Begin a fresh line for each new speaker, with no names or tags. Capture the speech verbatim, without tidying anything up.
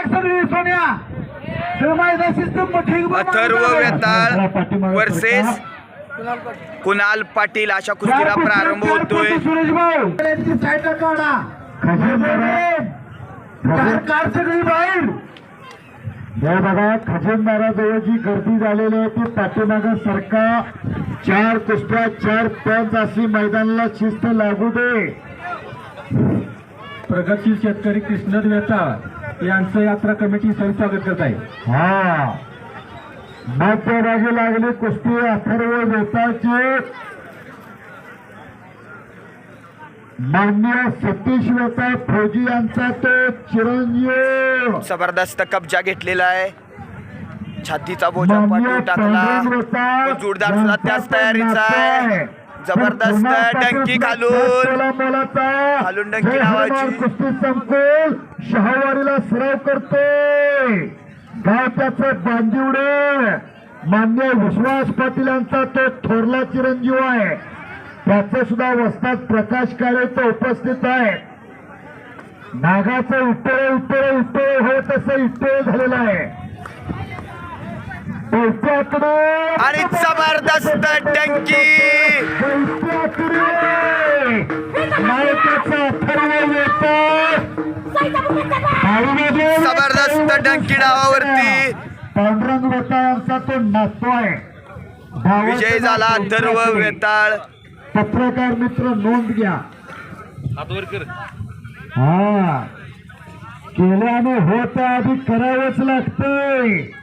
सगळी सोन्या
अथर्व वेताळ वर्सेस कुणाल पाटील अशा कुस्तीला प्रारंभ होतोय.
सुरेश भाऊ साईडला काढा कार सगळी बाहेर.
हे बघा खजिनदाराजवळ जी गर्दी झालेली आहे ती पाठीमागं सरका. चार कुस्त्या चार पंच अशी मैदानाला शिस्त लागू दे.
प्रगतशील शेतकरी कृष्णद वेताळ यांचं यात्रा कमिटी सर स्वागत करत आहे.
हा मध्यभागी लागली कुस्ती अथर्व वेताळची. मान्य सतीश वेताळ फौजी यांचा तो चिरंजीव.
जबरदस्त कब्जा घेतलेला आहे. छातीचा बोजा पाठवून टाकला. जोरदार सुद्धा त्याच तयारीचा आहे. जबरदस्त डंकी घालून घालून डंकी लावायची.
कुस्ती संकुल शहावारीला सराव करतोय. गाव त्याचं बांदिवडे. मान्य विश्वास पाटील यांचा तो थोरला चिरंजीव आहे. त्याचे सुद्धा वस्ताद प्रकाश काळे तो उपस्थित आहे. नागाचं इटळे इटळे इटळे होत असं इटळे झालेलं आहे.
आणि जबरदस्त डंकी. जबरदस्त डंकी डावावरती.
पांडुरंग वेताळ यांचा तो नातू आहे.
विजय झाला अथर्व वेताळ.
पत्रकार मित्र नोंद घ्या. हा केल्याने होत आधी करावंच लागतंय.